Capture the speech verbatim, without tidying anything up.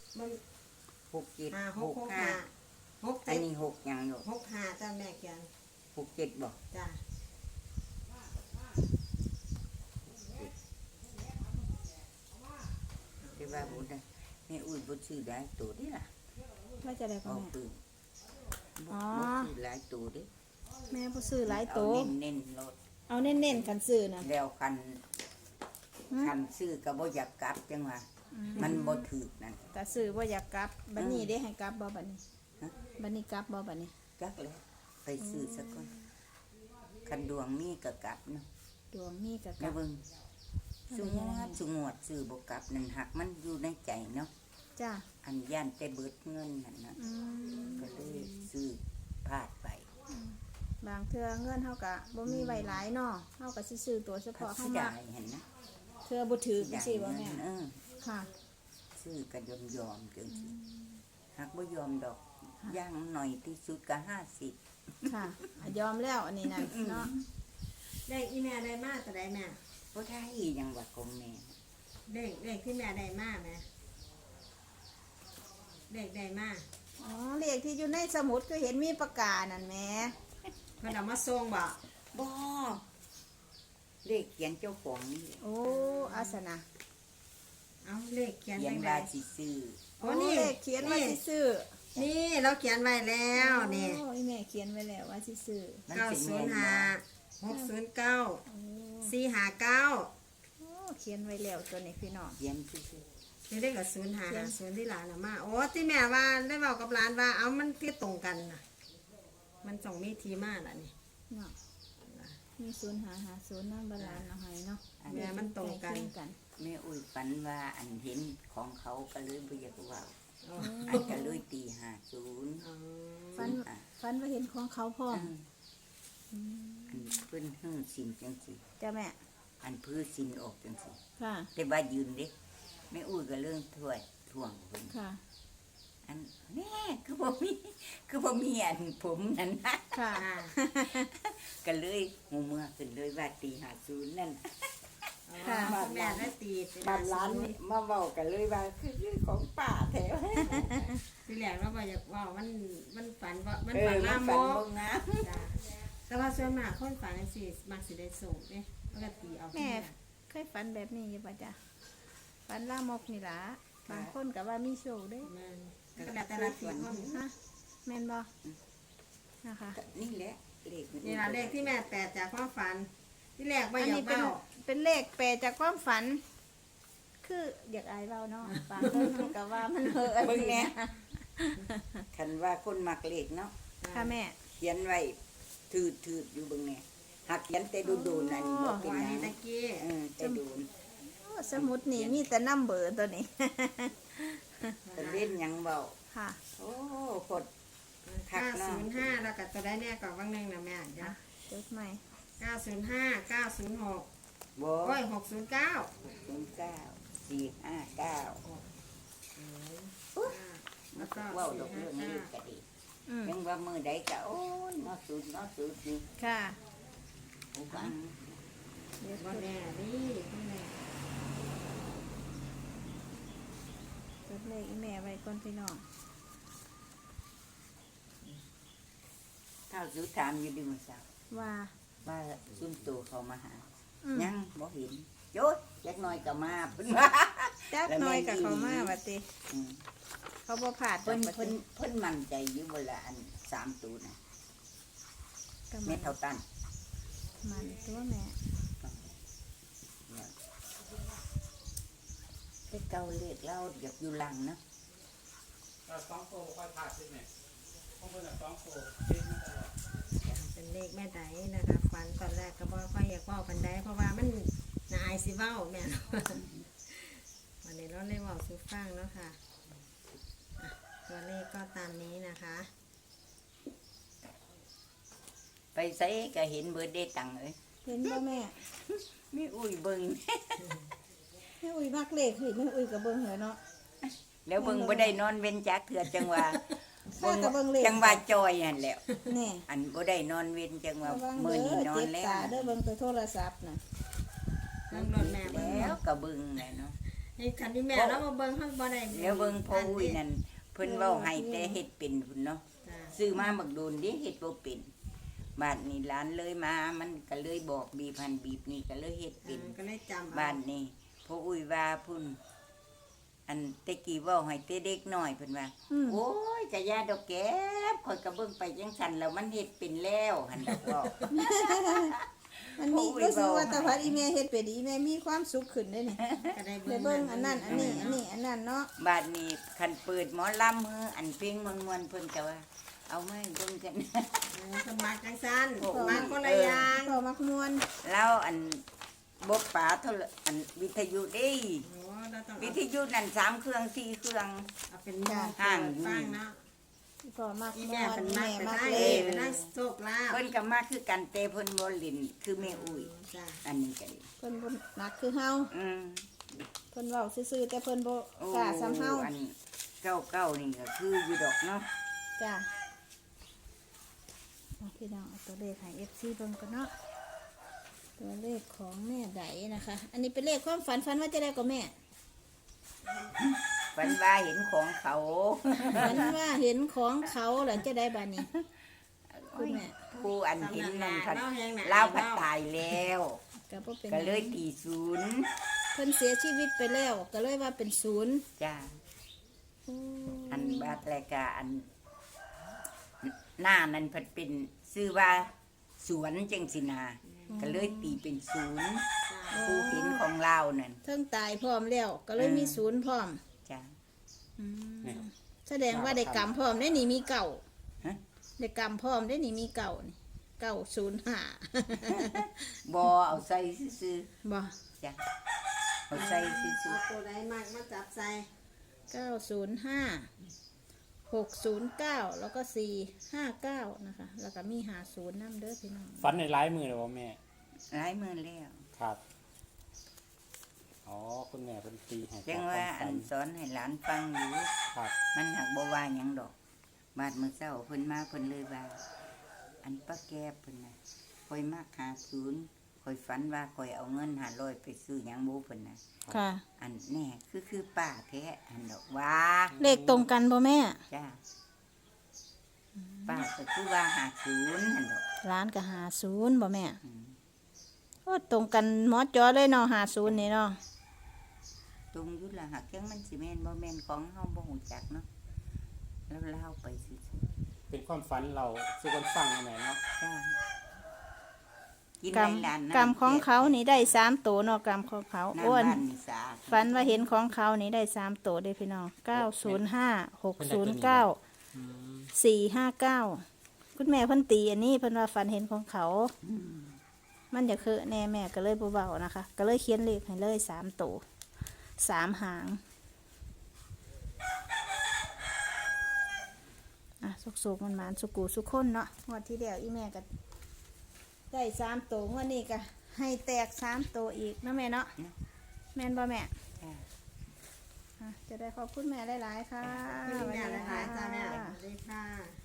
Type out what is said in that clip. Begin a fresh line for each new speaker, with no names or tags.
มัน
หกเจ็ด
ห้าห
ห
ก
ก
หก
ห้า
ห้าหก
อั
เจ็
น
ด
นี้หกยังอยู่
หกห้าจ้าแม่เขียน
หกเจ็ดบอก
จ้า
ที่ว่าบุญนะแม่อุ้ยบุญซื้อหลายตัวดิล่ะ
ว่าจะได้
อ
ก็
อก
แม่
ปืน
อ๋อ
บุญซื้อหลายตัวดิ
แม่ผู้ซื้อหลายโต
เอาเน้นๆรถ
เอาเน้นๆกันซื้อนะ
แล้วคัน
หืม
คันซื้อก็บ่อยากกลับจังว่ามันบ่ถูกนั่น
แต่ซื้อว่าอยากกลับบัดนี้ได้ให้กลับบ่บัดนี้
ฮะ
บัดนี้กลับบ่บัดนี้
จักแล้วไปซื้อสักคนคันดวงมีก็กลับเนาะ
ดวงมีก็ก
แม่
ลับ
เบิ่งสุงวดสุงวดซื้อบ่กลับนั่นหักมันอยู่ในใจเนาะ
จ้า
อันย่านแต่เบิดเงินนั่นนะ
อืม
ก็เลยซื้อพลาดไป
บางเทื่อเงินเฮาก็บ่มีไว้หลายเนาะเฮาก็สิซื้อตัวเฉ
เขา
พาะเฮา
สิ
มา
ได้เห็นนะ
เทื่อบ่ถือ
ได้
สิบ่
เงิ
แม่
นเออ
ค่ะ
ซื้อก็ยอมยอมๆจังซี่หักบ่ยอมดอกย่างหน่อยที่สุดก็ห้าสิบ
ค่ะอ่ะยอมแล้วอันนี้นั่นเนาะ
เลขอีแม่ได้มาแต่ได้แม่
บ่ได้หยังว่าของแม่
เลขเลขที่แม่ได้มาแม่เลขได้มา
อ๋อเลขที่อยู่ในสมุดก็เห็นมีประกาศนั่นแหม
เพิ่นเอามาส่งบ่
บ่เลขเขียนเจ้าของนี่แหละ
โอ้อาสนะ
เอาเลขเขียน
เขีย
จั
น
งได
ว่าสิซื้อ
โอ้
โอ้
นี่
เลขเขียนไว้สิซื้อ
นี่เราเขียนไว้แล้วนี่
โอ้ยแม่เขียนไว้แล้วว่าสิซื้อ
มัน
เก้า
สิ
ศู
แม่
น
น
ย์
บ่
ห้าหกศูนย์เก้า
โอ้
สี่ห้าเก้า
โอ้เขียนไว้แล้วตัวนี้พี่น้อง
เขียนซื่อ
นี่ได้กับศูนย์ห้าศูนย์ที่หลานเอามาโอ้ที่แม่ว่าได้บอกกับหลานว่าเอามันที่ตรงกันน่ะ มันส่งมีทีมาล่ะนี่
เนาะมีศูนย์หาหาศูนย์น้ำบาลานเอาให้เนาะ
แม่มันตรงกัน
ใล้เคียกัน
ๆแม่อุ้ยฝันว่าอันเห็นของเขาก็เลยบ่อยากเว้า
อ๋อ
อันก็เลยตีห้าศูนย์
อ๋อ
ฟันฟันว่าเห็นของเขาพร้อม
อันเพิ่นหื้อสินจังสิ
จ้าแม่
อันพื้นสินออกจังสิ
ค่ะ
แต่ว่ายืนเด้แม่อุ้ยก็เรื่องถ้วยท่วงเพิ่น
ค่ะ
อันแน่คือบ่มีคือบ่มีอันผมนั่นนะ
ค่ะ
อ่า
ก็เลยหูเมื่อขึ้นเลยว่าตีห้าศูนย์นั่น
ค่ะ
แม่ได้ตีเป็น
บ้านร้านมาเว้ากันเลยว่าคือของป้าแท้
ที่แรกเราบอกอยากว่ามันมันฝันว่ามัน
เออ
ฝัน
มั
ลาน ม
ฝัน
ก
บ่งาม
จ้ะแต่ว่าส่วนมากคนฝันจังซี่มักสิได้ส่งเด้ปกติเอา
แม่เคยฝันแบบนี้อยู่ป่ะจ้ะฝันล่ามกนี่ล่ะบางคนก็ว่ามีโชคเด้
มันก็แล้วแต่ละทีคน
ฮะแม่นบ่นะคะ
ก็นี่แหละเลข
นี่ล่ะเลขที่แม่แปดจากความฝัน ที่แรกว่า
อัน
อยา
นี้
ก
เป็น
เบ้า
เป็นเลขแปลจากความฝัน คืออยากอายเบาเนาะบางคนมันก็ว่ามันเฮอ
เบิ่งแหน่คันว่าคนมักเลขเนาะ
ค่ะแม่
เขียนไว้ถืดๆอยู่เบิ่งแหน่หากเขียนแต่โดนๆอันนี้บ่เป็น
วัน
หยั
นี้
ง
ตะกี้
เออแต่โดน
โอ้สมุดนี่มีแต่นัมเบอร์ตัวนี้
แต่เล่นหยังเว้า
ค่ะ
โอ้พด คั
เก้าก
เนาะ
ศูนย์ห้าแล้วก็ตัวได้แน่ก่อนว่างหนึงนะแม่เดี๋ยว
อ่ะจดใหม่
เก้าศูนย์ห้าเก้าศูนย์หก
บ่
โอ้ยหกศูนย์เก้า
ศูนย์เก้าสี่ห้าเก้า
แล้วก็
เว้าด
สี่
อก
ห้า
เรื่องนี้
เก้า
ก็ดี
อืม
ยังว่ามือใดก็โอ้ยเนาะสุดเนาะสุดอยู่
ค่ะ
ผู้ฟัง
เดี๋ยวจ
บ่
ด
แน่นี่คุณแม่
จดเลขอีแม่ไว้ก่อนพี่น้อง
เท่าสุดถามอยู่ดีมื้อเช้า
ว่า
ว่าซุ่มโตเขามาหา
อืม
ยังบ่เห็นโยดจักหน่อยก็มาเพิ่นว่า
จักหน้อยกับเขามาว่าติ
อืม
เขาบ่ผ่าด
เพิ่น
ดอก
เพิ่
ว่าน ติ
เพิ่นมั่นใจอยู่เวลาอันสามตัวน่ะ
ก็
เม็
มั
ด
น
เท่าตัน
มันตัวแม่
แต่เก่าเลขเราอยากอยู่หลังนะ
สองโตค่อยผ่าขึ้นไหมเพราะเพื่อนสองโตเช็คมาตลอด
เป็นเลขแม่ไดนะคะฝันตอนแรกก็บ่ค่อยอยากเว้าปันใดเพราะว่ามันน่าอายสิเว้าแม่เนาะ วันนี้เราเลยเว้าสู่ฟังเนาะค่ะอ่ะตัวเลขก็ตามนี้นะคะ
ไปใส่ก็เห็นเบิดได้ตังค์เอ้ย
เห็นบ่แม่
มีอุ้ยเบิ่ง
แม่อุ้ยมักเลขคือแม่อุ้ยก็เบิ่งเหรอเนาะ
แล้วเบิ่งบ่ได้นอนเว้นจักเถื่อจังว่า
ข้าก็เบิ่งเลข
จังว่าจอยนั่นแหล้ว
แน่
อันบ่ได้นอนเว้นจังว่า
ระวัง
มื้อ
เด้
นี้
อน
อ
เจ็
น
บ
แล้ว
ตาเด้อเบิ่งแต่โทรศัพท์น่ะ
เบิ่งรถแม่เบิ่ง
แล้วก็เบิ่งแหละเนาะ
เให้คันที่แม่เรามาเบิ่งเฮาบ่ได้
เดี๋ยวเบิ่งพ่ออุ้ยนั่นเพิ่นเว้าให้แต่เฮ็ดเป็นพุ่นเนาะ
จ้ะ
ซื้อมาบักโดนเดิเฮ็ดบ่เป็นบาดนี้หลานเลยมามันก็เลยบอกบีบหันบีบนี่ก็เลยเฮ็ดเป็น
ก็เลยจำ
บ้านนี้พ่ออุ้ยว่าพุ่นอันแตะกี้เว้าให้แต่เด็กน้อยเพิ่นว่า
อืม
โอ้ยกะยาดอกแก้บข่อยก็เบิ่งไปจังซั่นแล้วมันเฮ็ดเป็นแล้วหั่นดอกบอก
มันมี
โอ้ย
รู้สึกว่า
เบา
แตาพัดอีแม่เฮ็ดเป็ดอีแม่มีความสุขขึ้นได้นี่
ก็ได้
ได้เบิ่งอันนั้นอันนี้อันนี้อันนั้นเนาะ
บาดนี้คันเปิดหมอลำฮืออันเพลงม่วนๆเพิ่นก็ว่า เอามาให้เบิ่งกัน
สมัครจังซั่น
โอ้
สมัครคนละอย่าง
พอมักมวน
แล้วอันบ่ป๋าโทรอันวิทยุเด้
โอ้เราต้อง
วิทยุนั่นสามเครื่องสี่เครื่อง
เอาเป็นหม้อ
ห่าง
ฟังเนาะ
พอมัก
อี
ม
แม่
วน
เป็น
อี
มัก
แม่
ไป
มัก
ได้
เล
ไปได้โชคลาภ
เพิ่นก็มาคือกันแต่เพิ่นบ่เล่นคือแม่อุ้ย
จ้ะ
อันนี้ก็ดี
เพิ่นบ่มักคือเฮา
อืม
เพิ่นเว้าซื่อๆแต่เพิ่นบ่
โอ้
กล้าซ้ำเฮา
อันเก้าเก้านี่ก็คืออยู่ดอกเนาะ
จ้ะเอาพี่น้องเอาตัวเลขให้ เอฟ ซี เบิ่งกันเนาะตัวเลขของแม่ไดนะคะ อันนี้เป็นเลขความฝันฝันว่าจะได้กับแม่
ฝันว่าเห็นของเขา
ฝันว่าเห็นของเขาหลังจะได้บานี้ คุณแม่
ผู้อันเห็นนั่นพัด
เล่าแห้งหนา
เล่าวพัดตายแล้ว
ก็บ่เป็นห
ก็
ง
เลยตีศูนย์
เพิ่นเสียชีวิตไปแล้ว ก็เลยว่าเป็นศูนย์
จ้า
อืม
อันบาดแลกาอัน หน้านั้นเพัดเป็นชื่อว่าสวนจังสินาก็เลยตีเป็นศูนย์ผู้เห็นของเรานั่น
เทิงตายพร้อมแล้ว ก็เลยมีศูนย์พร้อม
จ้า
อืม
นี่
แสดงว่าได้กรรมพร้อมได้นี่มีเก่า
ฮะ
ได้กรรมพร้อมได้นี่มีเก่านี่เก่าศูนย์ห้า
บอเอาใส่ซื่อ
บ่
ๆจ้าเอาใส่ซื่อ
เอาตัวใดมากมาจับใส่
เก้าศูนย์ห้าหกศูนย์เก้าแล้วก็สี่ห้าเก้านะคะ แล้วก็มีหาศูนย์น้ำเด้อพี่น้อง
ฟันในร้ายมือเลยว่าแม่
ๆหลายมือแล้ว
ครับ อ๋อ คุณแม่เป็นตีให้
จังว่าอันสอนให้หลานฟังอยู่
ครับ
มันหักบ่ว่าหยังดอก บาดมื้อเช้าเพิ่นมาเพิ่นเลยว่า อันป้าแก้เพิ่นน่ะข่อยมักหาศูนย์ข่อยฝันว่าข่อยเอาเงินห้าร้อยไปซื้อหยังบ่เพิ่นน่ะ
ค่ะ
อันแน่คือคือป้าแท้อันดอกว่า
เลขตรงกันบ่แม่
จ้าป้าก็คือว่าหาศูนย์อันดอก
ร้านก็หาศูนย์บ่แม่
อืม
โอ้ตรงกันหมอจอเลยเนาะหาศูนย์นี่เนาะ
ตรงอยู่ล่ะหักจังมันสิแม่นบ่แม่นของเฮาบ่ฮู้จักเนาะแล้วเล่าไปซื่อ
เป็นความฝันเราสู่คนฟังอันไหนเนาะ
ๆจ้ากิน
กรรม
ในร้านน้ำ
กรรมของเขานี่ได้สามตัวเนาะกรรมของเขา
น้ำ
อ้วน
บ้านนี่สะอาด
ฝันว่าเห็นของเขานี่ได้สามตัวเด้อพี่น้องเก้าศูนย์ห้าหกศูนย์เก้า
อืม
สี่ห้าเก้าคุณแม่เพิ่นตีอันนี้เพิ่นว่าฝันเห็นของเขา มันจะคือแน่แม่ก็เลยเบาๆนะคะ ก็เลยเขียนเลขให้เลยสามตัวสามหางอ่ะสุกๆมันหมานสุกูสุกคนเนาะงวดที่เดียวอีแม่ก็ได้สามตัวงวดนี้ก็ให้แตกสามตัวอีกนะแม่เนาะแม่นบ่แม่
จ้า
อ่ะจะได้ขอบคุณแม่หลายๆค่ะ
คุณแม่
สวัสดี
หลายๆจ้าแม่
ค่ะ
สวัสดีค่ะ